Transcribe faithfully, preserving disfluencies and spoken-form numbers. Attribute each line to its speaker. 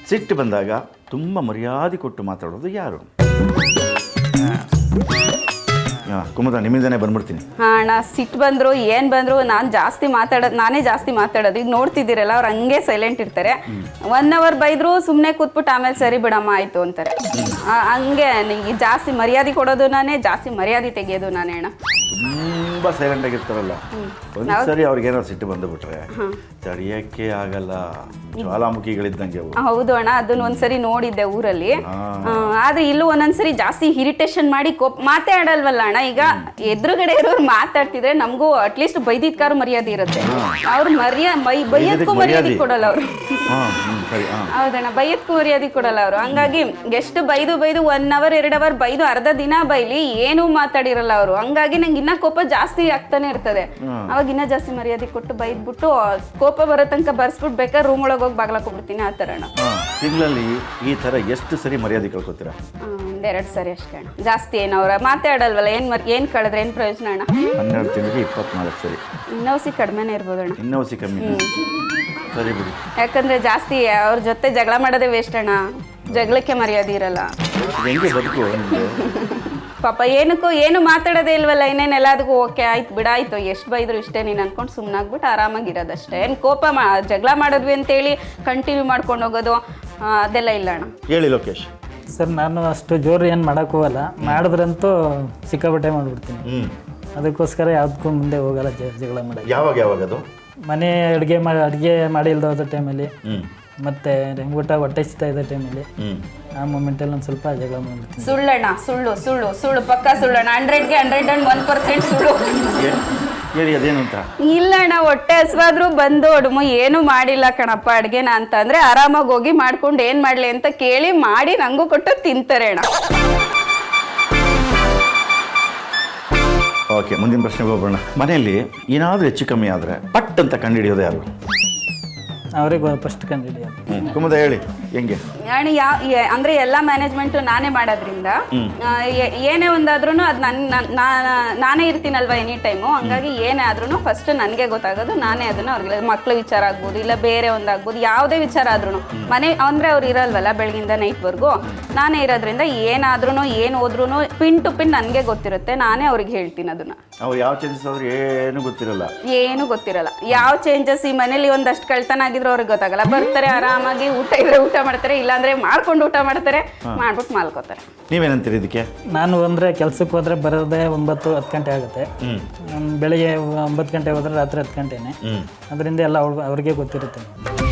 Speaker 1: ಸಿಟ್ಟು ಬಂದಾಗ ತುಂಬ ಮರ್ಯಾದೆ ಕೊಟ್ಟು ಮಾತಾಡೋದು ಯಾರು? ಕುಮುದ ನಿಮ್ಮಿಂದನೇ ಬಂದ್ಬಿಡ್ತೀನಿ.
Speaker 2: ಹಾಂ ಅಣ್ಣ, ಸಿಟ್ಟು ಬಂದರು ಏನು ಬಂದರು ನಾನು ಜಾಸ್ತಿ ಮಾತಾಡೋದು, ನಾನೇ ಜಾಸ್ತಿ ಮಾತಾಡೋದು. ಈಗ ನೋಡ್ತಿದ್ದೀರಲ್ಲ, ಅವ್ರು ಹಂಗೆ ಸೈಲೆಂಟ್ ಇರ್ತಾರೆ. ಒನ್ ಅವರ್ ಬೈದ್ರು ಸುಮ್ಮನೆ ಕೂತ್ಬಿಟ್ಟು ಆಮೇಲೆ ಸರಿ ಬಿಡಮ್ಮ ಆಯಿತು ಅಂತಾರೆ. ಹಂಗೆ ನಿಂಗೆ ಜಾಸ್ತಿ ಮರ್ಯಾದೆ ಕೊಡೋದು ನಾನೇ, ಜಾಸ್ತಿ ಮರ್ಯಾದೆ ತೆಗೆಯೋದು ನಾನೇ ಅಣ್ಣ.
Speaker 1: ತುಂಬ ಸೈಲೆಂಟ್ ಆಗಿರ್ತಾರಲ್ಲ, ಒಂದ್ಸರಿ ಅವ್ರಿಗೇನಾದ್ರು ಸಿಟ್ಟು ಬಂದುಬಿಟ್ರೆ ತಡೆಯೋಕ್ಕೆ ಆಗಲ್ಲ, ಜ್ವಾಲಾಮುಖಿಗಳಿದ್ದಂಗೆ ಅವು.
Speaker 2: ಹೌದು ಅಣ್ಣ, ಅದನ್ನ ಒಂದ್ಸರಿ ನೋಡಿದ್ದೆ ಊರಲ್ಲಿ. ಆದ್ರೆ ಇಲ್ಲೂ ಒಂದೊಂದ್ಸರಿ ಜಾಸ್ತಿ ಇರಿಟೇಷನ್ ಮಾಡಿ ಕೋಪ್ ಮಾತೇ ಆಡಲ್ವಲ್ಲ ಅಣ್ಣ. ಈಗ ಎದುರುಗಡೆ ಇರೋರು ಮಾತಾಡ್ತಿದ್ರೆ ನಮಗೂ ಅಟ್ಲೀಸ್ಟ್ ಬೈದಿದ್ಕಾರು ಮರ್ಯಾದೆ ಇರುತ್ತೆ. ಅವ್ರು ಮರ್ಯಾ ಬೈ ಬೈಯಕ್ಕೂ ಮರ್ಯಾದೆ ಕೊಡಲ್ಲ ಅವರು. ಹೌದಣ್ಣ, ಬೈಯಕ್ಕೂ ಮರ್ಯಾದೆ ಕೊಡಲ್ಲ ಅವರು. ಹಂಗಾಗಿ ಎಷ್ಟು ಬೈದು ಬೈದು ಒನ್ ಅವರ್ ಎರಡು ಅವರ್ ಬೈದು ಅರ್ಧ ದಿನ ಬೈಲಿ ಏನೂ ಮಾತಾಡಿರಲ್ಲ ಅವರು. ಹಂಗಾಗಿ ನಂಗೆ ಇನ್ನ ಕೋಪ ಜಾಸ್ತಿ ಆಗ್ತಾನೆ ಇರ್ತದೆ. ಅವಾಗ ಇನ್ನ ಜಾಸ್ತಿ ಮರ್ಯಾದೆ ಕೊಟ್ಟು ಬೈದ್ಬಿಟ್ಟು ಕೋಪ ಬರೋ ತನಕ ಬರ್ಸ್ಬಿಟ್ಟು ಬೇಕಾದ್ರೆ ರೂಮ್ ಒಳಗೆ ಹೋಗಿ ಬಾಗ್ಲಾಕೊಬಿಡ್ತೀನಿ. ಆ ಥರ ಅಣ್ಣ.
Speaker 1: ತಿಂಗಳಲ್ಲಿ ಈ ಥರ ಎಷ್ಟು ಸರಿ ಮರ್ಯಾದೆ ಕಳ್ಕೊತೀರಾ?
Speaker 2: ಒಂದೆರಡು ಸರಿ ಅಷ್ಟೇ ಅಣ್ಣ, ಜಾಸ್ತಿ ಏನು ಅವ್ರ ಮಾತಾಡಲ್ವಲ್ಲ, ಏನು ಮರ್ ಏನು ಕಳೆದ್ರೆ ಏನು ಪ್ರಯೋಜನ ಅಣ್ಣ?
Speaker 1: ಹನ್ನೆರಡು ತಿಂಗಳಿಗೆ ಇಪ್ಪತ್ನಾಲ್ಕು ಸರಿ.
Speaker 2: ಇನ್ನೋಸಿ ಕಡಿಮೆನೇ ಇರ್ಬೋದು ಅಣ್ಣ.
Speaker 1: ಇನ್ನೋಸಿ ಕಮ್ಮಿ, ಸರಿ ಬಿಡಿ.
Speaker 2: ಯಾಕಂದ್ರೆ ಜಾಸ್ತಿ ಅವ್ರ ಜೊತೆ ಜಗಳ ಮಾಡೋದೇ ವೇಸ್ಟ್ ಅಣ್ಣ, ಜಗಳಕ್ಕೆ ಮರ್ಯಾದೆ ಇರಲ್ಲ.
Speaker 1: ಹೆಂಗೆ ಬದುಕು?
Speaker 2: ಪಾಪ ಏನಕ್ಕೂ ಏನು ಮಾತಾಡೋದೇ ಇಲ್ವಲ್ಲ, ಇನ್ನೇನು ಎಲ್ಲದಕ್ಕೂ ಓಕೆ ಆಯ್ತು ಬಿಡಾಯ್ತು, ಎಷ್ಟು ಬೈದ್ರು ಇಷ್ಟೇ ನೀನು ಅನ್ಕೊಂಡು ಸುಮ್ಮನಾಗ್ಬಿಟ್ಟು ಆರಾಮಾಗಿರೋದಷ್ಟೇ. ಏನು ಕೋಪ ಮಾ ಜಗಳ ಮಾಡಿದ್ವಿ ಅಂತೇಳಿ ಕಂಟಿನ್ಯೂ ಮಾಡ್ಕೊಂಡು ಹೋಗೋದು ಅದೆಲ್ಲ ಇಲ್ಲ ಅಣ್ಣ.
Speaker 1: ಹೇಳಿ ಲೋಕೇಶ್.
Speaker 3: ಸರ್, ನಾನು ಅಷ್ಟು ಜೋರು ಏನು ಮಾಡೋಕ್ಕೆ ಹೋಗಲ್ಲ, ಮಾಡಿದ್ರಂತೂ ಸಿಕ್ಕಾಪಟ್ಟೆ ಮಾಡಿಬಿಡ್ತೀನಿ. ಅದಕ್ಕೋಸ್ಕರ ಯಾವುದಕ್ಕೂ ಮುಂದೆ ಹೋಗಲ್ಲ ಜಗಳ ಮಾಡೋದು.
Speaker 1: ಯಾವಾಗ ಯಾವಾಗ ಅದು?
Speaker 3: ಮನೆ ಅಡುಗೆ ಮಾಡಿ ಅಡುಗೆ ಮಾಡಿ ಇಲ್ದ ಹೋದ ಟೈಮಲ್ಲಿ, ಮತ್ತೆ ಊಟ ಹೊಟ್ಟೆ ಸಿಗ್ತಾ ಇದ್ದ ಟೈಮಲ್ಲಿ, ಆ ಮೂಮೆಂಟಲ್ಲಿ ಒಂದು ಸ್ವಲ್ಪ ಜಗಳ ಮಾಡ್ಬಿಡ್ತೀನಿ.
Speaker 2: ಸುಳ್ಳಣ್ಣ, ಸುಳ್ಳು ಸುಳ್ಳು ಸುಳ್ಳು ಪಕ್ಕ ಸುಳ್ಳಣ್ಣ. ಹಂಡ್ರೆಡ್ಗೆ ಹಂಡ್ರೆಡ್ ಅಂಡ್ ಒನ್ ಪರ್ಸೆಂಟ್ ಸುಳ್ಳು.
Speaker 1: ಹೇಳಿ ಅದೇನು ಅಂತ.
Speaker 2: ಇಲ್ಲ ಅಣ್ಣ, ಹೊಟ್ಟೆ ಹಸ್ವಾದ್ರೂ ಬಂದು ಒಡಮು ಏನು ಮಾಡಿಲ್ಲ ಕಣಪ್ಪ ಅಡುಗೆನ ಅಂತ ಅಂದರೆ ಆರಾಮಾಗಿ ಹೋಗಿ ಮಾಡ್ಕೊಂಡು ಏನು ಮಾಡಲಿ ಅಂತ ಕೇಳಿ ಮಾಡಿ ನಂಗೂ ಕೊಟ್ಟು ತಿಂತಾರೆ ಅಣ್ಣ.
Speaker 1: ಓಕೆ, ಮುಂದಿನ ಪ್ರಶ್ನೆಗೆ ಹೋಗೋಣ. ಮನೆಯಲ್ಲಿ ಏನಾದರೂ ಹೆಚ್ಚು ಕಮ್ಮಿ ಆದರೆ ಪಟ್ ಅಂತ ಕಂಡುಹಿಡಿಯೋದು ಯಾರು?
Speaker 3: ಅವ್ರಿಗೆ ಫಸ್ಟ್ ಕಂಡಿಡಿಯೋದು.
Speaker 1: ಕುಮುದ ಹೇಳಿ ಹೆಂಗೆ?
Speaker 2: ಅಣ್ಣ, ಯಾವ ಅಂದರೆ ಎಲ್ಲ ಮ್ಯಾನೇಜ್ಮೆಂಟು ನಾನೇ ಮಾಡೋದ್ರಿಂದ ಏನೇ ಒಂದಾದ್ರೂ ಅದು ನನ್ನ ನಾನೇ ಇರ್ತೀನಲ್ವ ಎನಿ ಟೈಮು. ಹಂಗಾಗಿ ಏನೇ ಆದ್ರೂ ಫಸ್ಟ್ ನನಗೆ ಗೊತ್ತಾಗೋದು, ನಾನೇ ಅದನ್ನು ಅವ್ರಿಗೆ ಮಕ್ಳ ವಿಚಾರ ಆಗ್ಬೋದು, ಇಲ್ಲ ಬೇರೆ ಒಂದಾಗ್ಬೋದು, ಯಾವುದೇ ವಿಚಾರ ಆದ್ರೂ ಮನೆ ಅಂದರೆ ಅವ್ರು ಇರಲ್ವಲ್ಲ ಬೆಳಗಿಂದ ನೈಟ್ವರೆಗೂ, ನಾನೇ ಇರೋದ್ರಿಂದ ಏನಾದ್ರೂ ಏನು ಹೋದ್ರೂ ಪಿನ್ ಟು ಪಿನ್ ನನಗೆ ಗೊತ್ತಿರುತ್ತೆ. ನಾನೇ ಅವ್ರಿಗೆ ಹೇಳ್ತೀನಿ ಅದನ್ನು.
Speaker 1: ಅವ್ರು ಯಾವ ಚೇಂಜಸ್ ಆದ್ರೂ ಏನು ಗೊತ್ತಿರಲ್ಲ,
Speaker 2: ಏನು ಗೊತ್ತಿರಲ್ಲ. ಯಾವ ಚೇಂಜಸ್ ಈ ಮನೇಲಿ ಒಂದಷ್ಟು ಕಳ್ತನ ಆಗಿದ್ರು ಅವ್ರಿಗೆ ಗೊತ್ತಾಗಲ್ಲ. ಬರ್ತಾರೆ ಆರಾಮಾಗಿ, ಊಟ ಇದ್ರೆ ಊಟ ಮಾಡ್ತಾರೆ, ಇಲ್ಲಾಂದ್ರೆ ಮಾಡ್ಕೊಂಡು ಊಟ ಮಾಡ್ತಾರೆ, ಮಾಡ್ಬಿಟ್ಟು ಮಾಲ್ಕೋತಾರೆ.
Speaker 1: ನೀವೇನಂತೀರಿ ಇದಕ್ಕೆ?
Speaker 3: ನಾನು ಅಂದರೆ ಕೆಲ್ಸಕ್ಕೆ ಹೋದ್ರೆ ಬರೋದೇ ಒಂಬತ್ತು ಹತ್ತು ಗಂಟೆ ಆಗುತ್ತೆ. ಬೆಳಿಗ್ಗೆ ಒಂಬತ್ತು ಗಂಟೆ ಹೋದ್ರೆ ರಾತ್ರಿ ಹತ್ತು ಗಂಟೆನೇ. ಅದರಿಂದ ಎಲ್ಲ ಅವ್ರಿಗೆ ಗೊತ್ತಿರುತ್ತೆ.